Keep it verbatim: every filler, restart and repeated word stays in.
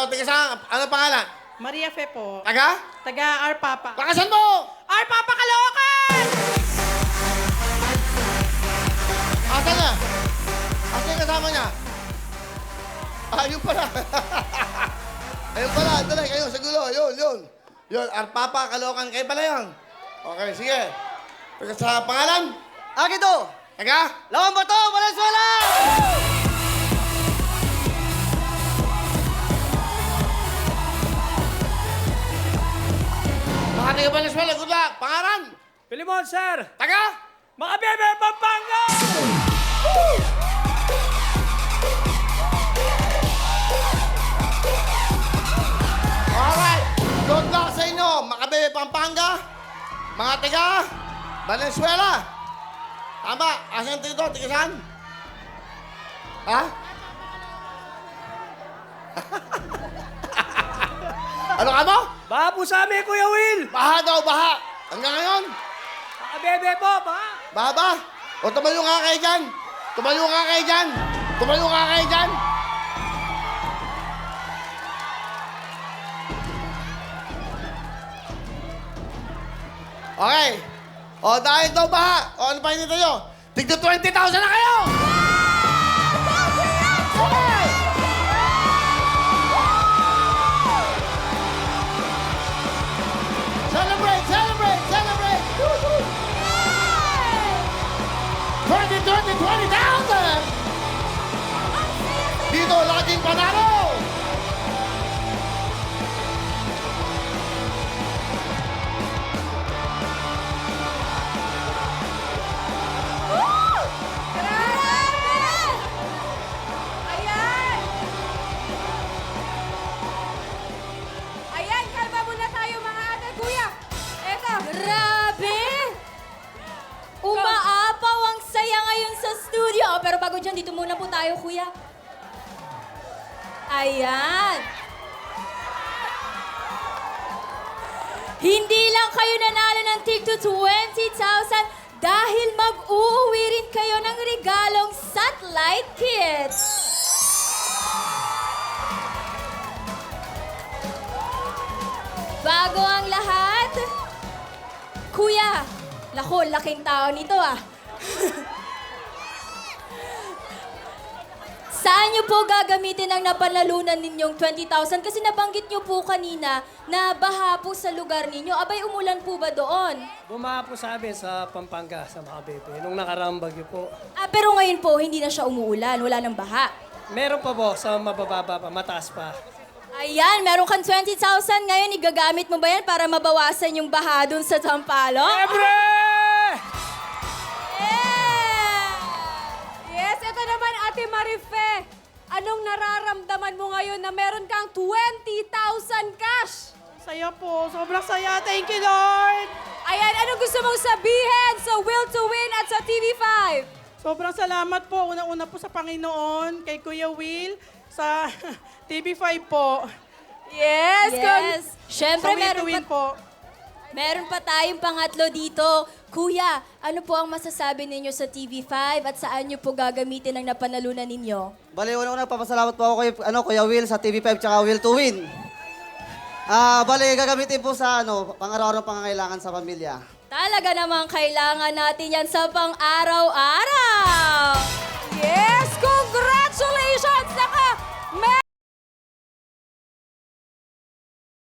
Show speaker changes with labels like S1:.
S1: tiga saan? Ano pangalan?
S2: Maria Fe po.
S1: Taga?
S2: Taga R Papa.
S1: Lakasan mo!
S2: R Papa Caloocan!
S1: Asan na? Asan yung kasama niya? Ah, yun pala. Ayun pala, dali kayo sa gulo. Yun, yun. Yun, Arpapa, Caloocan, kayo pala yun. Okay, sige. Taga sa pangalan?
S3: Akin to!
S1: Taga?
S3: Lawan ba to? Valenzuela!
S1: Mga taga Valenzuela, good luck. Pangalan?
S4: Pilimon, sir!
S1: Taga?
S4: Mga bebe, Pampanga!
S1: Alright. Good luck sa inyo, Makabebe, Pampanga. Mga taga Valenzuela. Tama. Asan tayo to? Taga saan? Ha? Ano ka mo?
S4: Baha po sa amin, Kuya Will!
S1: Baha daw, baha. Hanggang ngayon?
S4: Mga bebe po, baha!
S1: Baha ba? O tumayo nga kayo dyan. Tumayo nga kayo dyan. Tumayo nga kayo dyan. Okay. O dahil daw baha. O ano pa hinintay nyo? Tigdo twenty thousand na kayo! Okay. Celebrate, celebrate, celebrate! twenty, twenty, twenty thousand! Dito, laging panalo!
S5: Ayan! Ayan, kalma muna tayo mga ate. Kuya, eto.
S6: Grabe! Umaapaw ang saya ngayon sa studio. Oh, pero bago dyan, dito muna po tayo, kuya. Ayan. Hindi lang kayo nanalo ng tig to twenty thousand dahil mag-uuwi rin kayo ng regalong satellite kit. Bago ang lahat, kuya, lako, laking tao nito ah. Saan niyo po gagamitin ang napanalunan ninyong twenty thousand? Kasi nabanggit niyo po kanina na baha po sa lugar ninyo. Abay, umulan po ba doon?
S4: Bumaha po sa amin sa Pampanga, sa mga bebe, nung nakaraang bagyo po.
S6: Ah, pero ngayon po, hindi na siya umuulan. Wala nang baha.
S4: Meron pa po sa mabababa pa, mataas pa.
S6: Ayan, meron kang twenty thousand ngayon. Igagamit mo ba yan para mabawasan yung baha doon sa Tampalo?
S4: Ebre!
S6: Yeah!
S5: Yes, ito naman Ate Marife. Anong nararamdaman mo ngayon na meron kang twenty thousand cash?
S2: Saya po. Sobrang saya. Thank you, Lord.
S5: Ayan, anong gusto mong sabihin sa Will to Win at sa T V five?
S2: Sobrang salamat po. Una-una po sa Panginoon, kay Kuya Will, sa T V five po.
S5: Yes,
S6: Yes.
S2: Sa
S6: Siyempre,
S2: Will to
S6: meron
S2: Win
S6: pa,
S2: po.
S6: meron pa tayong pangatlo dito. Kuya, ano po ang masasabi ninyo sa T V five at saan nyo po gagamitin ang napanalunan ninyo?
S3: Bali, una-una papasalamat po ako kay ano, Kuya Will sa T V five tsaka Will to Win. Ah, bali, gagamitin po sa ano, pang-araw-araw pangangailangan sa pamilya.
S6: Talaga namang kailangan natin yan sa pang-araw-araw.